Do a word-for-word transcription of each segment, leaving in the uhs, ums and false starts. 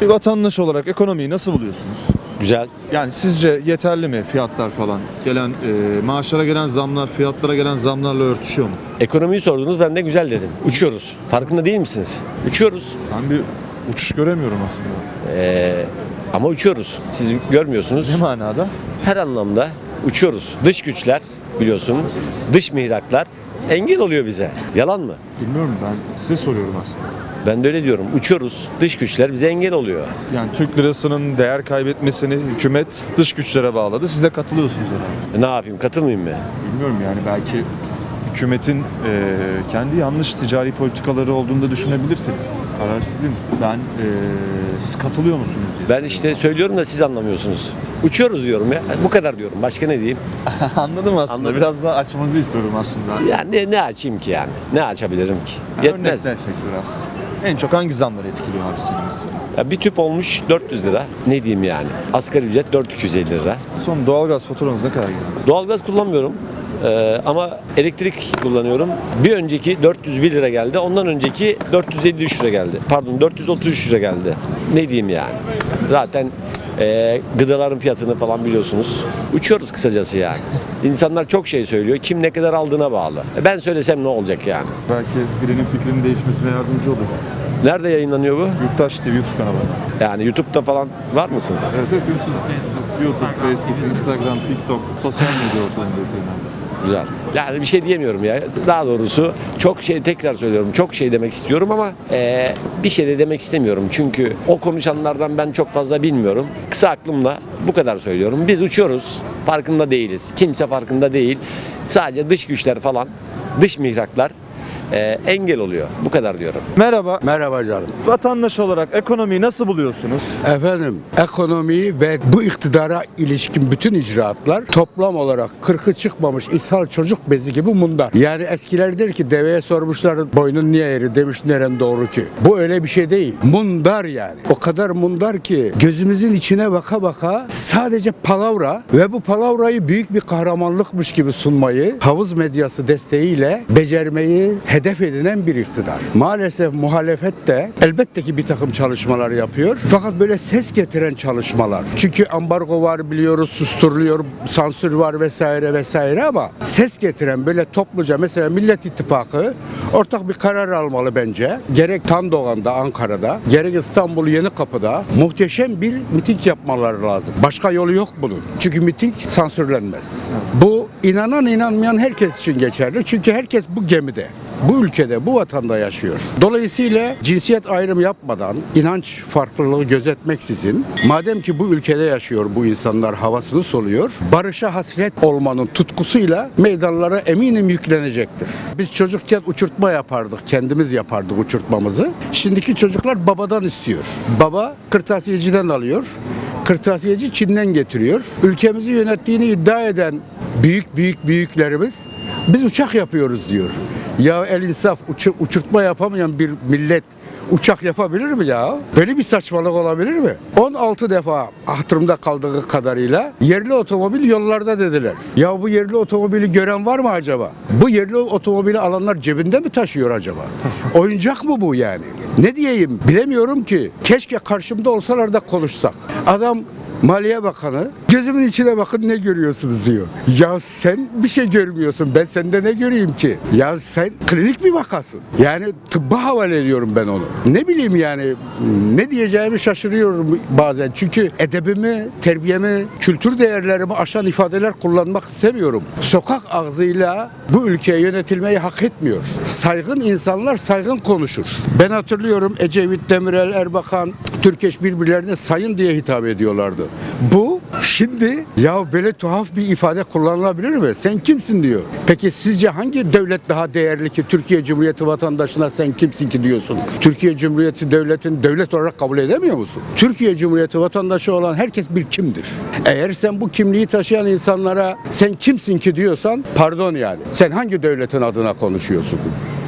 Bir vatandaş olarak ekonomiyi nasıl buluyorsunuz? Güzel. Yani sizce yeterli mi fiyatlar falan? Gelen e, maaşlara gelen zamlar, fiyatlara gelen zamlarla örtüşüyor mu? Ekonomiyi sordunuz, ben de güzel dedim. Uçuyoruz. Farkında değil misiniz? Uçuyoruz. Ben bir uçuş göremiyorum aslında. Ee, ama uçuyoruz. Siz görmüyorsunuz. Ne manada? Her anlamda uçuyoruz. Dış güçler biliyorsun, dış mihraklar engel oluyor bize. Yalan mı? Bilmiyorum, ben size soruyorum aslında. Ben de öyle diyorum. Uçuyoruz. Dış güçler bize engel oluyor. Yani Türk lirasının değer kaybetmesini hükümet dış güçlere bağladı. Siz de katılıyorsunuz herhalde. E, ne yapayım? Katılmayayım mı? Bilmiyorum, yani belki hükümetin e, kendi yanlış ticari politikaları olduğunu da düşünebilirsiniz. Karar sizin. Ben e, siz katılıyor musunuz diye. Ben işte söylüyorum da siz anlamıyorsunuz. Uçuyoruz diyorum ya. Bu kadar diyorum. Başka ne diyeyim? Anladım aslında. Anladım. Biraz daha açmanızı istiyorum aslında. Ya ne, ne açayım ki yani? Ne açabilirim ki? Yani Yetmez. örneklersek biraz. En çok hangi zamları etkiliyor abi seni mesela? Ya bir tüp olmuş dört yüz lira. Ne diyeyim yani? Asgari ücret dört bin iki yüz elli lira. Son doğalgaz faturanız ne kadar geldi? Doğalgaz kullanmıyorum. Ee, ama elektrik kullanıyorum. Bir önceki dört yüz bir lira geldi. Ondan önceki dört yüz elli üç lira geldi. Pardon dört yüz otuz üç lira geldi. Ne diyeyim yani? Zaten e, gıdaların fiyatını falan biliyorsunuz. Uçuyoruz kısacası yani. İnsanlar çok şey söylüyor. Kim ne kadar aldığına bağlı. E, ben söylesem ne olacak yani? Belki birinin fikrinin değişmesine yardımcı olur. Nerede yayınlanıyor bu? Yurttaş T V YouTube kanalı. Yani YouTube'da falan var mısınız? Evet, evet, YouTube, YouTube, Facebook, Instagram, TikTok, sosyal medya ortamında sayılan. Güzel. Yani bir şey diyemiyorum ya. Daha doğrusu çok şey, tekrar söylüyorum. Çok şey demek istiyorum ama eee, bir şey de demek istemiyorum. Çünkü o konuşanlardan ben çok fazla bilmiyorum. Kısa aklımla bu kadar söylüyorum. Biz uçuyoruz. Farkında değiliz. Kimse farkında değil. Sadece dış güçler falan, dış mihraklar eee, engel oluyor. Bu kadar diyorum. Merhaba. Merhaba canım. Vatandaş olarak ekonomiyi nasıl buluyorsunuz? Efendim, ekonomi ve bu iktidara ilişkin bütün icraatlar toplam olarak kırkı çıkmamış ishal çocuk bezi gibi mundar. Yani eskiler der ki deveye sormuşlar boynun niye eğri, demiş neren doğru ki. Bu öyle bir şey değil. Mundar yani. O kadar mundar ki gözümüzün içine baka baka sadece palavra ve bu palavrayı büyük bir kahramanlıkmış gibi sunmayı havuz medyası desteğiyle becermeyi hedef edinen bir iktidar. Maalesef muhalefet de elbette ki bir takım çalışmalar yapıyor. Fakat böyle ses getiren çalışmalar. Çünkü ambargo var biliyoruz, susturuluyor, sansür var vesaire vesaire ama ses getiren böyle topluca mesela Millet İttifakı ortak bir karar almalı bence. Gerek Tandoğan'da, Ankara'da, gerek İstanbul Yenikapı'da muhteşem bir miting yapmaları lazım. Başka yolu yok bunun. Çünkü miting sansürlenmez. Bu inanan inanmayan herkes için geçerli. Çünkü herkes bu gemide. Bu ülkede, bu vatanda yaşıyor. Dolayısıyla cinsiyet ayrımı yapmadan, inanç farklılığı gözetmeksizin, madem ki bu ülkede yaşıyor bu insanlar, havasını soluyor, barışa hasret olmanın tutkusuyla meydanlara eminim yüklenecektir. Biz çocukken uçurtma yapardık, kendimiz yapardık uçurtmamızı. Şimdiki çocuklar babadan istiyor. Baba kırtasiyeciden alıyor, kırtasiyeci Çin'den getiriyor. Ülkemizi yönettiğini iddia eden büyük büyük büyüklerimiz biz uçak yapıyoruz diyor. Ya el insaf, uçur, uçurtma yapamayan bir millet uçak yapabilir mi ya? Böyle bir saçmalık olabilir mi? on altı defa hatırımda kaldığı kadarıyla yerli otomobil yollarda dediler. Ya bu yerli otomobili gören var mı acaba? Bu yerli otomobili alanlar cebinde mi taşıyor acaba? Oyuncak mı bu yani? Ne diyeyim bilemiyorum ki. Keşke karşımda olsalar da konuşsak. Adam Maliye Bakanı gözümün içine bakın ne görüyorsunuz diyor. Ya sen bir şey görmüyorsun. Ben sende ne göreyim ki? Ya sen klinik bir vakasın. Yani tıbba havale ediyorum ben onu. Ne bileyim yani ne diyeceğimi şaşırıyorum bazen. Çünkü edebimi, terbiyemi, kültür değerlerimi aşan ifadeler kullanmak istemiyorum. Sokak ağzıyla bu ülkeye yönetilmeyi hak etmiyor. Saygın insanlar saygın konuşur. Ben hatırlıyorum Ecevit, Demirel, Erbakan, Türkeş birbirlerine sayın diye hitap ediyorlardı. Bu şimdi ya böyle tuhaf bir ifade kullanılabilir mi? Sen kimsin diyor. Peki sizce hangi devlet daha değerli ki Türkiye Cumhuriyeti vatandaşına sen kimsin ki diyorsun? Türkiye Cumhuriyeti devletin devlet olarak kabul edemiyor musun? Türkiye Cumhuriyeti vatandaşı olan herkes bir kimdir. Eğer sen bu kimliği taşıyan insanlara sen kimsin ki diyorsan pardon yani. Sen hangi devletin adına konuşuyorsun?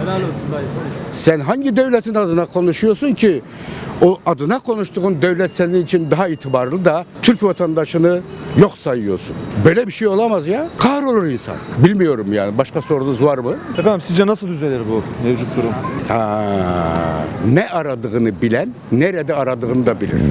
Sen hangi devletin adına konuşuyorsun ki? O adına konuştuğun devlet senin için daha itibarlı da Türk vatandaşını yok sayıyorsun. Böyle bir şey olamaz ya. Kahrolur insan. Bilmiyorum yani. Başka sorunuz var mı? Efendim sizce nasıl düzelir bu mevcut durum? Aa, ne aradığını bilen nerede aradığını da bilir.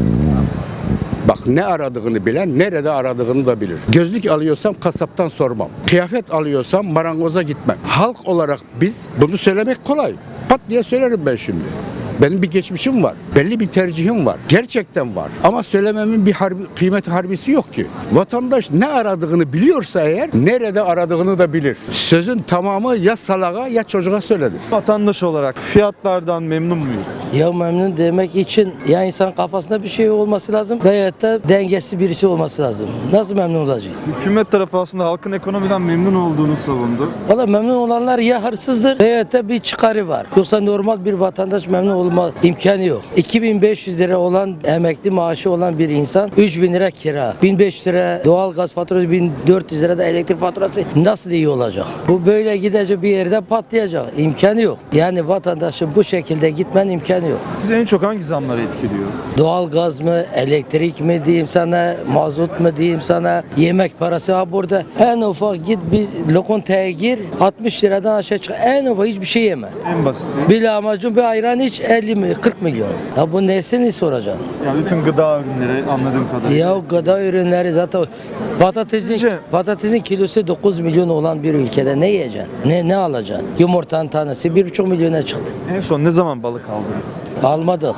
Bak ne aradığını bilen nerede aradığını da bilir. Gözlük alıyorsam kasaptan sormam. Kıyafet alıyorsam marangoza gitmem. Halk olarak biz bunu söylemek kolay. Pat diye söylerim ben şimdi. Benim bir geçmişim var. Belli bir tercihim var. Gerçekten var. Ama söylememin bir harbi, kıymeti harbisi yok ki. Vatandaş ne aradığını biliyorsa eğer nerede aradığını da bilir. Sözün tamamı ya salağa ya çocuğa söylenir. Vatandaş olarak fiyatlardan memnun muyuz? Ya memnun demek için ya insan kafasında bir şey olması lazım veyahut da dengesiz birisi olması lazım. Nasıl memnun olacağız? Hükümet tarafı aslında halkın ekonomiden memnun olduğunu savundu. Valla memnun olanlar ya hırsızdır veyahut da bir çıkarı var. Yoksa normal bir vatandaş memnun olma imkanı yok. iki bin beş yüz lira olan emekli maaşı olan bir insan üç bin lira kira, bin beş yüz lira doğal gaz faturası, bin dört yüz lira da elektrik faturası nasıl iyi olacak? Bu böyle gidecek bir yerde patlayacak. İmkanı yok. Yani vatandaşın bu şekilde gitmen imkanı yok. Sizi en çok hangi zamları etkiliyor? Doğal gaz mı, elektrik mi diyeyim sana, mazot mu diyeyim sana, yemek parası ha burada. En ufak git bir lokantaya gir, altmış liradan aşağı çık. En ufak hiçbir şey yeme. En basiti. Bir lahmacun bir ayran iç elli mi kırk milyon. Ya bu nesini soracaksın? Yani bütün gıda ürünleri anladığım kadarıyla. Ya gıda ürünleri zaten patatesin Sizce- patatesin kilosu dokuz milyon olan bir ülkede ne yiyeceksin? Ne ne alacaksın? Yumurtanın tanesi bir buçuk milyona çıktı. En son ne zaman balık aldınız? Almadık.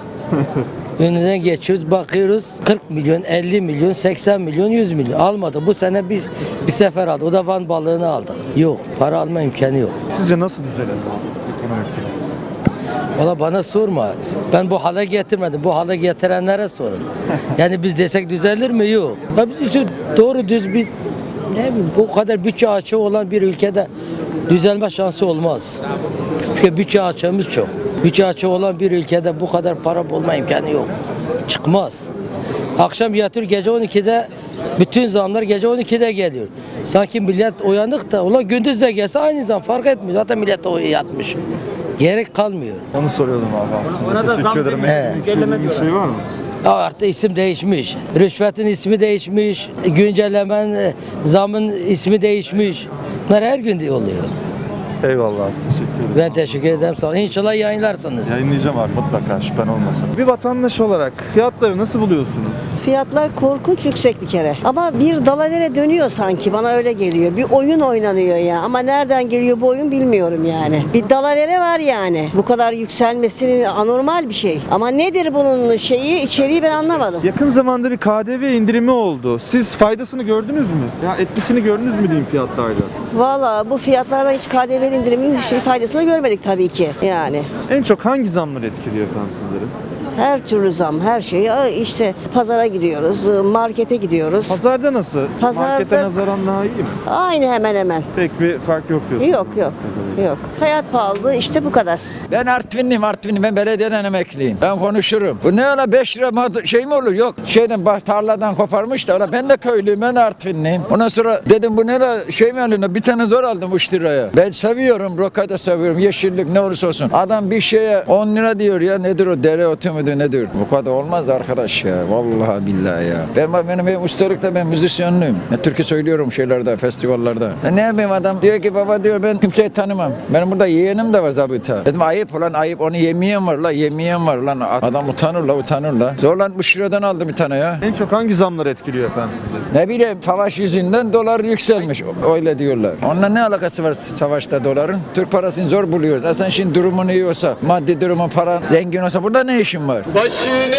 Önünden geçiyoruz, bakıyoruz kırk milyon, elli milyon, seksen milyon, yüz milyon. Almadı. Bu sene bir bir sefer aldı. O da Van balığını aldık. Yok, para alma imkanı yok. Sizce nasıl düzelir bu ekonomik durum? Valla bana sorma. Ben bu hale getirmedim. Bu hale getirenlere sorun. Yani biz desek düzelir mi? Yok. Ya biz işte doğru düz bir ne bileyim bu kadar bütçe açığı olan bir ülkede düzelme şansı olmaz. Çünkü bütçe açığımız çok. Bütçe açığı olan bir ülkede bu kadar para bulma imkanı yok. Çıkmaz. Akşam yatıyor gece on ikide bütün zamlar gece on ikide geliyor. Sanki millet uyanık da ulan gündüz de gelse aynı zam fark etmiyor. Zaten millet de yatmış. Gerek kalmıyor. Onu soruyordum abi aslında. Teşekkür ederim. Evet. Eklemek istediğin bir şey var mı? Ya artık isim değişmiş. Rüşvetin ismi değişmiş. Güncellemen, e, zamın ismi değişmiş. Bunlar her gün de oluyor. Eyvallah. Teşekkür ederim. Ben teşekkür ederim. Sağ olun. İnşallah yayınlarsınız. Yayınlayacağım abi mutlaka şüphen olmasın. Bir vatandaş olarak fiyatları nasıl buluyorsunuz? Fiyatlar korkunç yüksek bir kere. Ama bir dalavere dönüyor sanki. Bana öyle geliyor. Bir oyun oynanıyor ya. Ama nereden geliyor bu oyun bilmiyorum yani. Bir dalavere var yani. Bu kadar yükselmesi anormal bir şey. Ama nedir bunun şeyi, içeriği ben anlamadım. Yakın zamanda bir K D V indirimi oldu. Siz faydasını gördünüz mü? Ya etkisini gördünüz mü diyeyim fiyatlarda? Valla bu fiyatlardan hiç K D V indiriminin şey faydasını görmedik tabii ki. Yani. En çok hangi zamlar etkiliyor efendim sizleri? Her türlü zam, her şey. Ya İşte pazara gidiyoruz, markete gidiyoruz. Pazarda nasıl? Pazarda- Markete nazaran daha iyi mi? Aynı hemen hemen. Pek bir fark yok diyorsunuz. Yok yok. Yok. Hayat pahalı işte bu kadar. Ben Artvinliyim, Artvinliyim. Ben belediyeden emekliyim. Ben konuşurum. Bu ne öyle beş lira mad- şey mi olur? Yok. Şeyden bah- tarladan koparmış da öyle. Ben de köylüyüm, ben de Artvinliyim. Ondan sonra dedim bu ne öyle şey mi alıyor? Bir tane zor aldım üç liraya. Ben seviyorum, roka da seviyorum. Yeşillik ne olursa olsun. Adam bir şeye on lira diyor ya. Nedir o? Dereotu mudur nedir? Bu kadar olmaz arkadaş ya. Vallahi billahi ya. Ben benim, benim ustalıkta ben müzisyenliyim. Ya, türkü söylüyorum şeylerde, festivallerde. Ya, ne yapayım adam? Diyor ki baba diyor ben kimseyi tanımam. Benim burada yeğenim de var zabıta. Dedim ayıp ulan ayıp. Onu yemeyen var la. Yemeyen var lan. Adam utanır la utanır la. Zorlanmış liradan aldım bir tane ya. En çok hangi zamlar etkiliyor efendim sizi? Ne bileyim savaş yüzünden dolar yükselmiş. Öyle diyorlar. Onunla ne alakası var savaşta doların? Türk parasını zor buluyoruz. E sen şimdi durumun iyi olsa, maddi durumun para zengin olsa burada ne işin var? Başını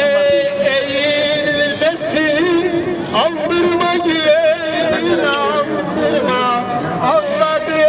eğilmesin, aldırma gelin aldırma, avladı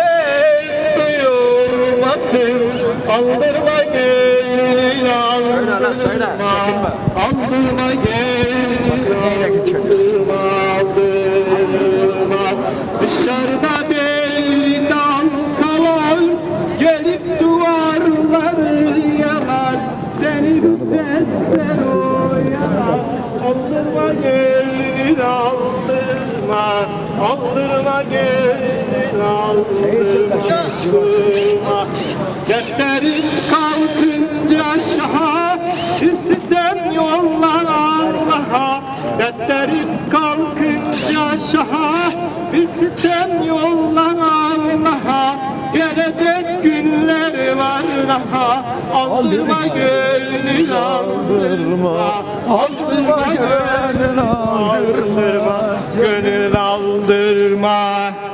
duyurmasın, aldırma gelin aldırma, aldırma gelin aldırma, aldırma, dışarıda belli dalgalar, gelip duvarları yalar. Senin sesler oyalar. Aldırma gelin aldırma. Aldırma gelin aldırma. Dertlerim kalkınca şaha, bir sitem yollar Allah'a. Dertlerim kalkınca şaha, bir sitem yollar Allah'a. Gelecek günler var daha, aldırma gönül aldırma. Aldırma gönül aldırma, gönül aldırma.